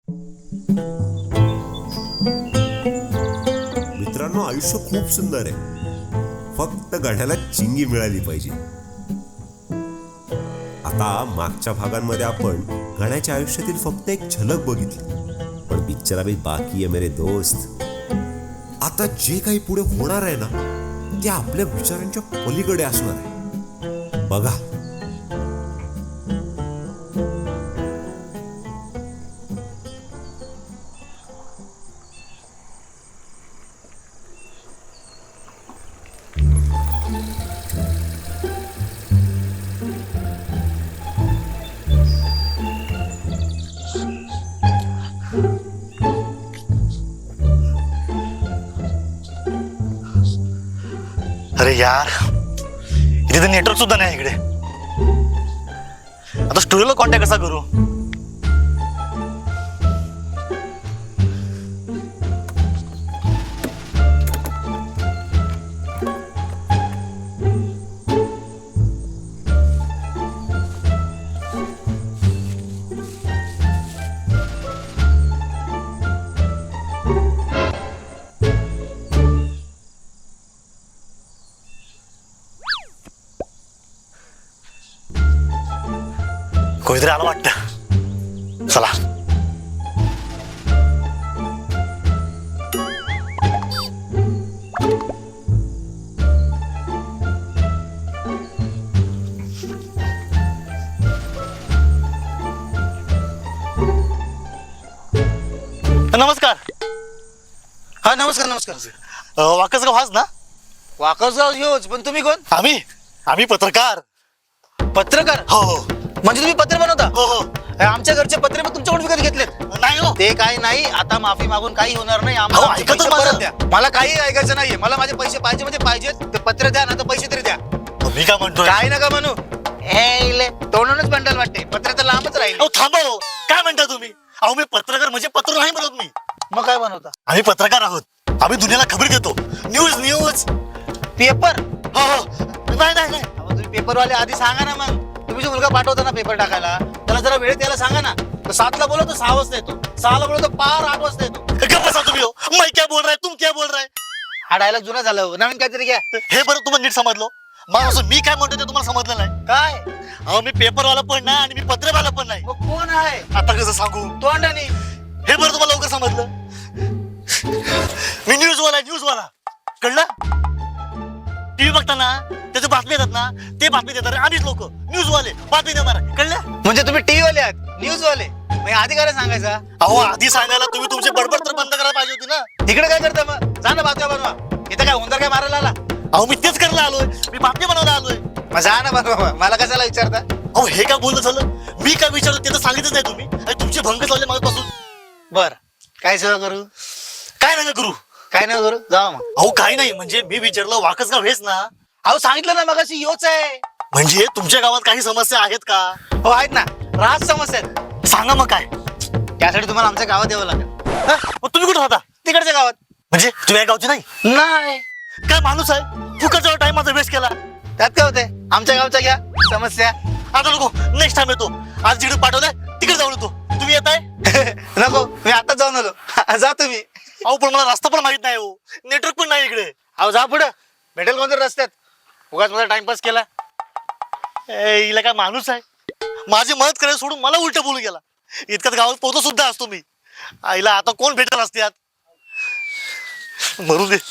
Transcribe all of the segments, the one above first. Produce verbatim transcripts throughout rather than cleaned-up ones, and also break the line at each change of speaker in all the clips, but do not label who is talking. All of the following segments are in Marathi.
मित्रांनो, आयुष्य खूप सुंदर आहे, फक्त गड्याला चिंगी मिळाली पाहिजे. आता मागच्या भागांमध्ये आपण गण्याच्या आयुष्यातील फक्त एक झलक बघितली, पण पिक्चर अभी बाकी आहे मेरे दोस्त. आता जे काही पुढे होणार आहे ना, ते आपल्या विचारांच्या पलीकडे असणार आहे. बघा.
अरे यार, इथे तर नेटवर्क सुद्धा नाही इकडे. आता स्टुडिओला कॉन्टॅक्ट कसा करू? कोणीतरी आलं वाटतं. चला. नमस्कार.
हा नमस्कार नमस्कार.
वाकसगाव हाच ना?
वाकसगाव ह्योच, पण तुम्ही कोण?
आम्ही आम्ही पत्रकार.
पत्रकार?
हो हो
म्हणजे तुम्ही पत्र बनवता?
हो हो.
आमच्या घरचे पत्रे पण तुमच्याकडून विकत घेतलेत?
नाही हो.
ते काही नाही, आता माफी मागून काही होणार नाही.
अहो,
आम्हाला आमचे
ऐका तर
पैसे
माझं.
परत द्या. मला काही ऐकायचं नाहीये. मला माझे पैसे पाहिजे म्हणजे पाहिजेत. ते पत्र द्या ना, तर पैसे तरी द्या.
मी काय म्हणतोय?
काय नका म्हणू. हे इले, तोंडूनच बंडल वाटते. पत्र तर लांबच राहील.
अहो थांबा हो. काय म्हणता तुम्ही? अहो मी पत्रकार म्हणजे पत्र नाही म्हणत मी.
मग काय बनवता?
आम्ही पत्रकार आहोत. आम्ही दुनियाला खबर देतो. News news.
पेपर?
हो हो. नाही नाही नाही.
अहो, तुम्ही पेपरवाले आधी सांगा ना. मग तुम्ही जो मुलगा पाठवता ना पेपर टाकायला, त्याला जरा वेळ द्यायला सांगा ना. तो सातला बोलतो सहा वाजता येतो, सहाला बोलतो पार आठ वाजता येतो.
गप्प बसा तुम्ही हो. मैं क्या बोल रहा है, तुम क्या बोल रहा है?
हा डायलॉग जुना झाला हो. नवीन काहीतरी घ्या.
हे बरं तुम्हाला नीट समजलो. मग असं मी काय म्हणतो ते तुम्हाला समजलं नाही.
काय?
अहो मी पेपरवाला पण नाही आणि मी पत्रवाला पण नाही.
मग कोण आहे?
आता कसं सांगू?
तोंडाने.
हे बरं तुम्हाला लवकर समजलं. मी न्यूजवाला न्यूजवाला कळलं? टीव्ही बघताना त्याचे बातमी येतात ना, ते बातमी देतात आम्हीच लोक न्यूजवाले बातमी देणार. कळलं?
म्हणजे तुम्ही टीव्ही वाले आहात, न्यूज वाले. मग आधी काय सांगायचा?
अहो आधी सांगायला तुम्ही तुमची बडबड तर बंद करायला पाहिजे होती ना.
तिकडे काय करता मग? जा ना बातम्या बनवा. इथं काय होंदर काय मारायला आला?
अहो मी तेच करायला आलोय. मी बातमी बनवायला आलोय.
मग जा ना बनवा. मला कशाला विचारता?
अहो हे काय बोलणं झालं? मी काय विचारलं ते तर सांगितलंच नाही तुम्ही. आणि तुमचे भंग चालले माझ्यापासून.
बर, काय सेवा करू?
काय नका करू.
काय नाही करू, जा मग.
अहो काही नाही, म्हणजे मी विचारलं वाकसगाव हेच ना?
अहो सांगितलं ना मगाशी योच आहे.
म्हणजे तुमच्या गावात काही समस्या आहेत का?
हो आहेत ना, राज समस्या आहेत.
सांगा मग काय.
त्यासाठी तुम्हाला आमच्या गावात यावं लागेल.
हा? मग तुम्ही कुठे राहता?
तिकडच्या गावात.
म्हणजे तुम्ही या गावचे नाही?
नाही.
काय माणूस आहे, फुकटचा टाइम माझा वेस्ट केला.
त्यात काय होते? आमच्या गावच्या घ्या समस्या.
आता नको, नेक्स्ट टाइम येतो. आज जिकडे पाठवलंय तिकडे जाऊन येतो. तुम्ही येताय?
नको, मी आता जाऊन आलो. जा तुम्ही.
अहो पण मला रस्ता पण माहित नाही हो, नेटवर्क पण नाही इकडे.
अहो जा पुढं, भेटेल कोणतरी रस्त्यात. उगाच माझा टाइमपास केला.
ए, हिला काय माणूस आहे, माझी मदत करायला सोडून मला उलट बोलू गेला. इतक्यात गावात पोहोचलो सुद्धा असतो मी. आईला आता कोण भेटेल असत्यात. मरू दे.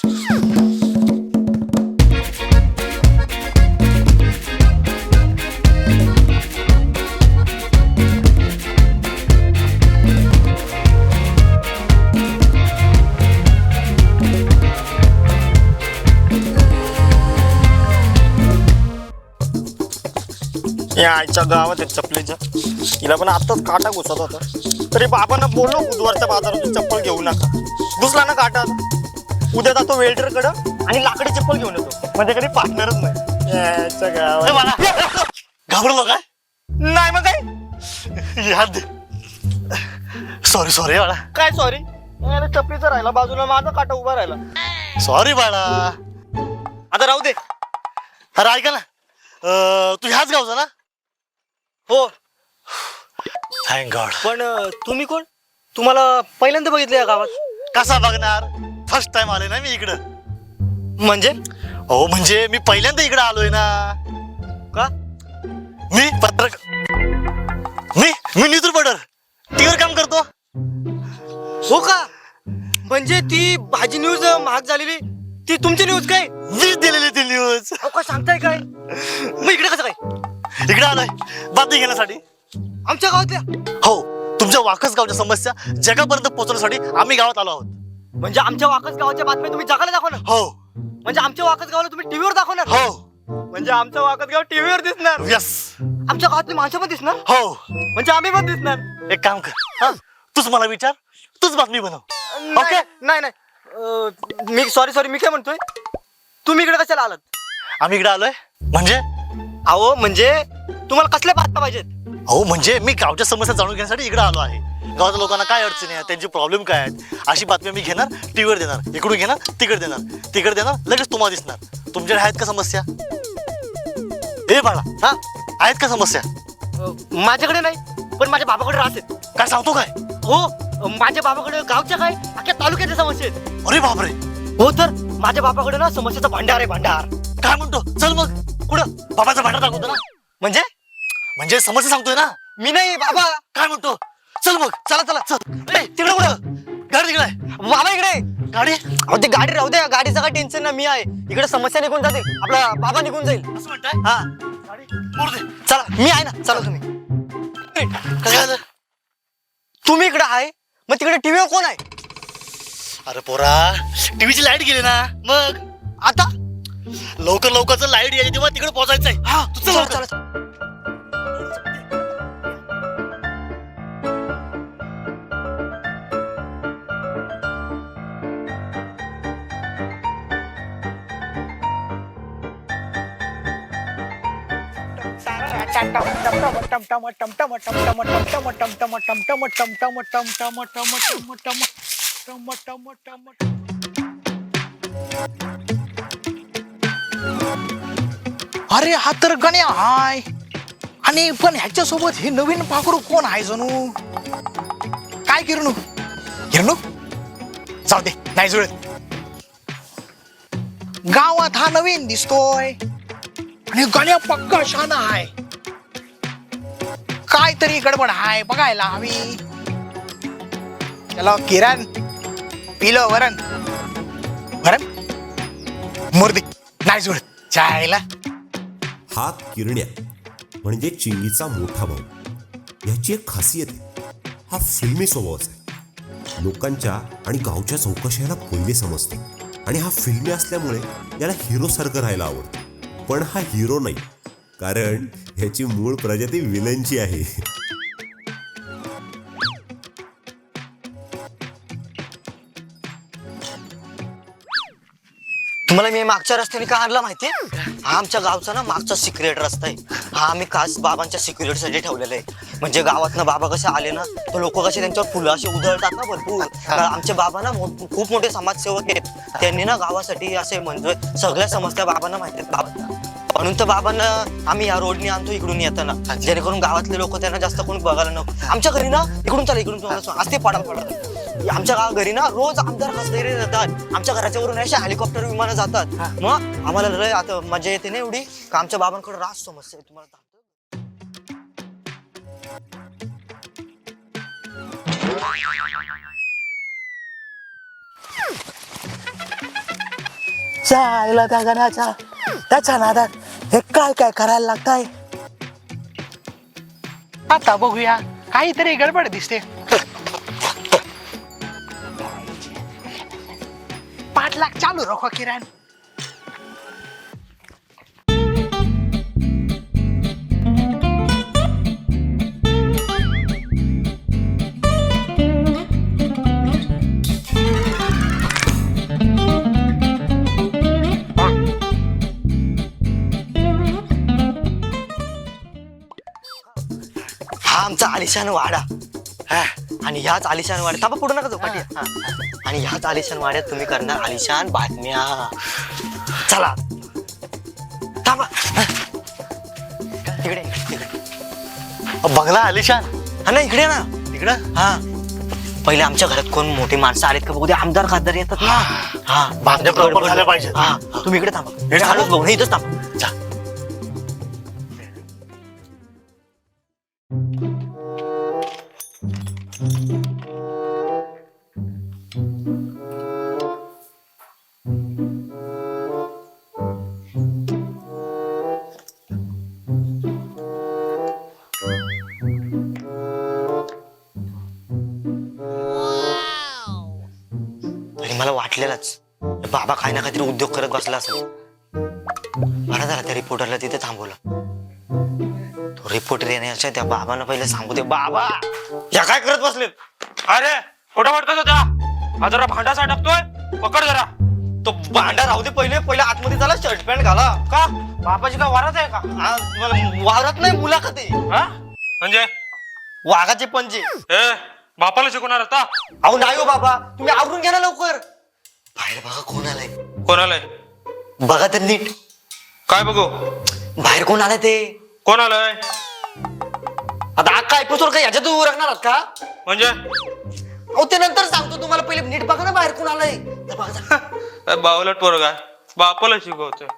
या आईच्या गावात आहे चपलीच्या. तिला पण आताच काटा घुसत होता, तरी बाबांना बोललो बुधवारच्या बाजारातून चप्पल घेऊ नका. घुसला ना काटा. उद्या जातो वेल्डर कडं आणि लाकडी चप्पल घेऊन येतो. माझ्याकडे पार्टनरच नाही. याच्या गावात
घाबरलो काय?
नाही मग काय.
याद सॉरी सॉरी बाळा.
काय सॉरी? चपलीचा राहिला बाजूला, माझा काटा उभा राहिला.
सॉरी बाळा.
आता राहू दे.
अरे ऐका ना, अं, तू ह्याच गावचा ना?
हो.
Thank God.
पण अं, तुम्ही कोण?
तुम्हाला पहिल्यांदा बघितलं या गावात?
कसा बघणार, फर्स्ट टाइम आलोय ना मी इकडं.
म्हणजे
हो म्हणजे मी पहिल्यांदा इकडे आलोय ना.
का?
मी पत्रक मी मी न्यूज रिपोर्टर टीव्हीवर काम करतो.
हो का? म्हणजे ती भाजी न्यूज महाग झालेली ती तुमची न्यूज काय?
मीच दिलेली ती न्यूज.
अहो काय सांगताय काय? मग इकडे कसं काय?
इकडे आलोय बातमी घेण्यासाठी.
आमच्या गावातल्या?
हो, तुमच्या वाकस गावच्या समस्या जगापर्यंत पोहोचवण्यासाठी आम्ही गावात आलो आहोत.
म्हणजे आमच्या वाकस गावाच्या बातम्या तुम्ही जगाला दाखवणार?
हो
म्हणजे आमच्या वाकस गावाला तुम्ही टीव्हीवर दाखवणार?
हो
म्हणजे आमचं वाकस गाव टीव्हीवर दिसणार?
यस.
आमच्या गावातली माणसं पण दिसणार?
हो,
म्हणजे आम्ही पण दिसणार?
एक काम कर, हा तूच मला विचार, तूच बातमी बनव.
ओके. नाही नाही अं, मी सॉरी सॉरी मी काय म्हणतोय, तुम्ही इकडे कशाला आलात?
आम्ही इकडे आलोय म्हणजे
अहो म्हणजे तुम्हाला कसल्या बातम्या पाहिजेत?
अहो म्हणजे मी गावच्या समस्या जाणून घेण्यासाठी इकडे आलो आहे. गावाच्या लोकांना काय अडचणी आहेत, त्यांचे प्रॉब्लेम काय आहेत, अशी बातमी मी घेणार, टीव्हीवर देणार, इकडून घेणार तिकडे देणार, तिकडे देणार, लगेच तुम्हाला दिसणार. तुमच्याकडे आहेत का समस्या? ए बाळा, हा आहेत का समस्या?
अं, माझ्याकडे नाही, पण माझ्या बाबाकडे राहते.
काय सांगतो काय?
हो, अं, माझ्या बाबाकडे गावच्या काय अख्ख्या तालुक्याच्या समस्या आहेत.
अरे बापरे,
हो तर माझ्या बाबाकडे ना समस्याचा भांडार आहे, भांडार.
काय म्हणतो? चल मग कुठं बाबाचा भांडा दाखवतो ना.
म्हणजे
म्हणजे समस्या सांगतोय ना.
मी नाही बाबा.
काय म्हणतो? चल मग, चला चला चल. ए तिकडे कुठं? गाडी तिकडे आहे.
बाबा इकडे.
गाडी
अहो ते गाडी राहू द्या, गाडीचं काय टेन्शन ना, मी आहे इकडे. समस्या निघून जातील, आपला बाबा निघून जाईल.
असं म्हणताय?
हा
गाडी मोड दे.
चला, मी आहे ना, चला तुम्ही.
काय झालं?
तुम्ही इकडे आहे, मग तिकडे टीव्हीवर कोण आहे?
अरे पोरा, टीव्हीची लाईट गेली ना. मग
आता
लवकर लवकर लाईट यायची तेव्हा तिकडे पोहोचायचंय. हा तू चल
चला
लवकर.
चला.
अरे हा तर गण्या हाय, आणि पण ह्याच्या सोबत हे नवीन पाखरू कोण आहे जणू? काय किरणू? किरणू जाऊ दे, नाही जुळत. गावात हा नवीन दिसतोय आणि गण्या पक्का शाना आहे. काय तरी गडबड हाय, बघायला हवी. चलो किरण, पिलो वरण वरण मुर्दी, नाही जुळत. चायला
हा किरण्या म्हणजे चिंगीचा मोठा भाऊ. ह्याची एक खासियत आहे, हा फिल्मी स्वभावाचा आहे. लोकांच्या आणि गावच्या चौकशी ह्याला पहिले समजते आणि हा फिल्मी असल्यामुळे याला हिरो सारखं राहायला आवडतं. पण हा हिरो नाही, कारण ह्याची मूळ प्रजाती विलनची आहे.
तुम्हाला मी मागच्या रस्त्याने का आणला माहितीये? हा आमच्या गावचा ना मागचा सिक्रेट रस्ता आहे. हा आम्ही खास बाबांच्या सिक्युरिटीसाठी ठेवलेला आहे. म्हणजे गावात ना बाबा कसे आले ना, तर लोक कसे त्यांच्यावर फुलं असे उधळतात ना भरपूर. तर आमचे बाबा ना मो- खूप मोठे समाजसेवक आहेत. त्यांनी ना गावासाठी असे म्हणजे सगळ्या समस्या बाबांना माहिती आहेत. बाबा म्हणून तर बाबांना आम्ही या रोडने आणतो इकडून येताना, जेणेकरून गावातले लोक त्यांना जास्त कोणी बघायला नको. आमच्या घरी ना इकडून चला, इकडून तुम्हाला असते पाडा पाडा. आमच्या गाव घरी ना रोज आमदार खासदार जातात. आमच्या घराच्या वरून अशा हेलिकॉप्टर विमानं जातात. मग आम्हाला लय आता मजा येते ना एवढी का आमच्या बाबांकडे रास समस्या आहे. तुम्हाला
चायला त्या गण्याच्या त्याच्या नादात हे काय काय करायला लागताय. आता बघूया, काहीतरी गडबड दिसते. पाठलाग चालू रखो किरण.
हा आमचा आलिशान वाडा. हा, आणि ह्याच आलिशान वाड्यात थांबा, पुढे नका जाऊ पाठी. आणि ह्याच आलिशान वाड्यात तुम्ही करणार आलिशान बातम्या. चला थांबा. इकडे इकडे
बंगला आलिशान.
हा ना, इकडे ना.
तिकडं
हा पहिले आमच्या घरात कोण मोठी माणसं आलेत का बघू दे. आमदार खासदार येतात ना. हा
बातम्या proper झाल्या पाहिजेत.
हा तुम्ही इकडे थांबा.
इकडे थांबा.
चालूच बघू नाही, इथंच थांबा.
जा.
आणि मला वाटलेलंच बाबा काही ना काहीतरी उद्योग करत बसला असेल. बरं झालं त्या रिपोर्टरला तिथे थांबवलं. तो रिपोर्टर येण्याच्या त्या बाबांना पहिले सांगू दे. बाबा या काय करत बसलेत?
अरे कुठं वाटतोय त्या हा जरा भांडा साठवतोय, पकड जरा.
तो भांडा राहू दे, पहिले पहिले आतमध्ये झाला शर्ट पॅन्ट घाला.
का बापाची का वाराच आहे का?
आज मला वावरात नाही, मुलाखत आहे.
हा म्हणजे
वाघाचे पंजे.
ए बापाला शिकवणार आता?
अहो नाही हो बाबा, तुम्ही आवरून घ्या ना लवकर. बाहेर बघा कोण आलाय.
कोण आलंय?
बघा तर नीट.
काय बघू?
बाहेर कोण आलाय ते?
कोण आलंय
आता अक्का एपिसोड काय ह्याच्यात उरकणार आहात का?
म्हणजे?
अहो ते नंतर सांगतो तुम्हाला, पहिले नीट बघा ना बाहेर कोण आलंय. तर बघा जा.
काय बावलट पोरगा आहे, बापाला शिकवतोय.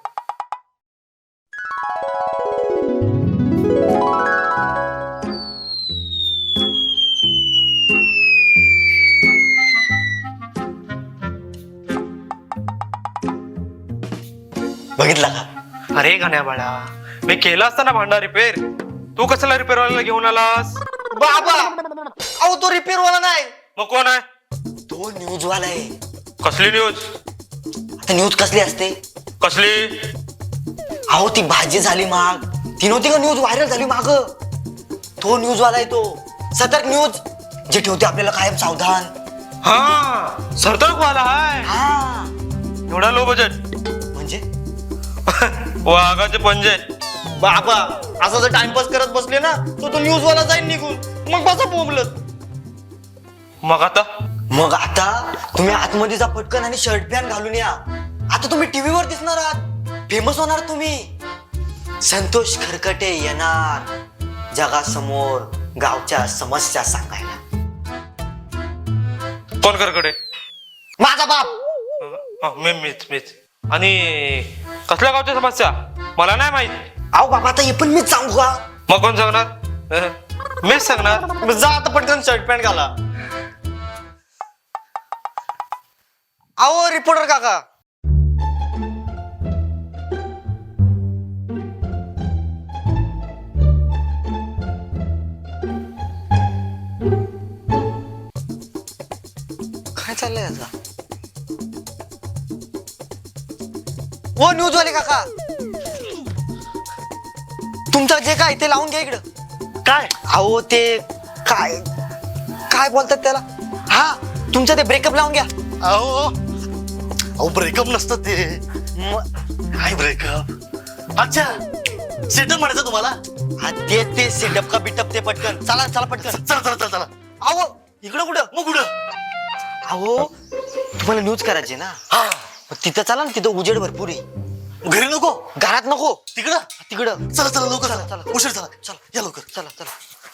बघितला का?
अरे गाण्या बाळा, मी केला असताना भांडा रिपेअर, तू कसला रिपेअर वाल्याला घेऊन आलास?
बाबा अहो तो रिपेअर वाला नाही,
मग कोण आहे?
तो न्यूज वाला आहे.
कसली न्यूज?
आता न्यूज कसली असते?
कसली?
अहो ती भाजी झाली महाग, ती नव्हती का न्यूज व्हायरल झाली माग, तो न्यूज वाला आहे तो. सतर्क न्यूज, जे ठेवते आपल्याला कायम सावधान.
हा सरतर्क वाला आहे.
हा
एवढा लो बजेट
म्हणजे
वाघाचे पंजे.
बाबा असं जर टाइमपास करत बसले ना तर तो न्यूज वाला जाईल निघून, मग बसा बोंबलत.
मग आता?
मग आता तुम्ही आतमध्ये जा पटकन आणि शर्ट पॅन्ट घालून या. आता तुम्ही टीव्हीवर दिसणार आहात, फेमस होणार तुम्ही. संतोष खरकटे येणार जगासमोर गावच्या समस्या सांगायला.
कोण करकडे?
माझा बाप.
हा, मी मीच मीच. आणि कसल्या गावच्या समस्या मला नाही माहित.
अहो बाबा आता हे पण मीच सांगू का?
मग कोण सांगणार? अह, मीच सांगणार.
मग जा आता पटकन शर्ट पॅन्ट घाला. अहो रिपोर्टर काका, काय चाललंय आता? ओ न्यूज वाले काका, तुमचं जे काय ते लावून घ्या इकडं.
काय?
अहो ते काय काय बोलतात त्याला, हा तुमचं ते ब्रेकअप लावून घ्या.
अहो अहो ब्रेकअप नसतं ते.
म-
काय ब्रेकअप? अच्छा, सेटअप म्हणायचं तुम्हाला?
हा ते ते सेटअप का बिटअप ते पटकन चला चला पटकन.
चला चला चला चला.
अहो इकडं कुठं?
मग कुठं?
अहो तुम्हाला न्यूज करायची ना,
हा
मग तिथं चला ना, तिथं उजेड भरपूर आहे.
घरी नको,
घरात नको,
तिकडं.
तिकडं.
चला चला लवकर
चला,
चला,
चला.
उशीर चला.
चला.
या लवकर.
चला चला.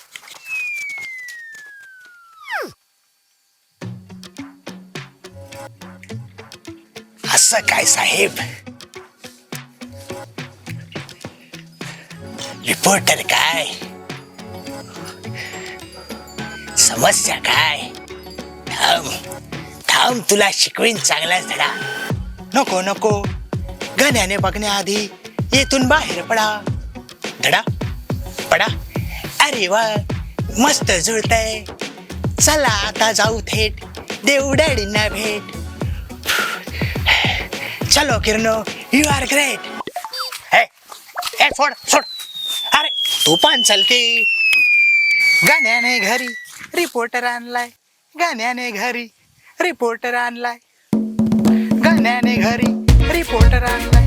असं काय साहेब, रिपोर्टर काय, समस्या काय? थांब थांब, तुला शिकवीन चांगलाच धडा. नको नको, गाण्याने बघण्याआधी येथून बाहेर पडा. धडा पडा. अरे वा, मस्त जुळतंय. चला आता जाऊ थेट देऊ डॅडींना भेट. चलो किरणो, यू आर ग्रेट. हे हे सोड सोड. अरे तू पण चल की. गाण्याने घरी रिपोर्टर आणलाय, गाण्याने घरी रिपोर्टर आणलाय, गाण्याने घरी रिपोर्टर आणलाय.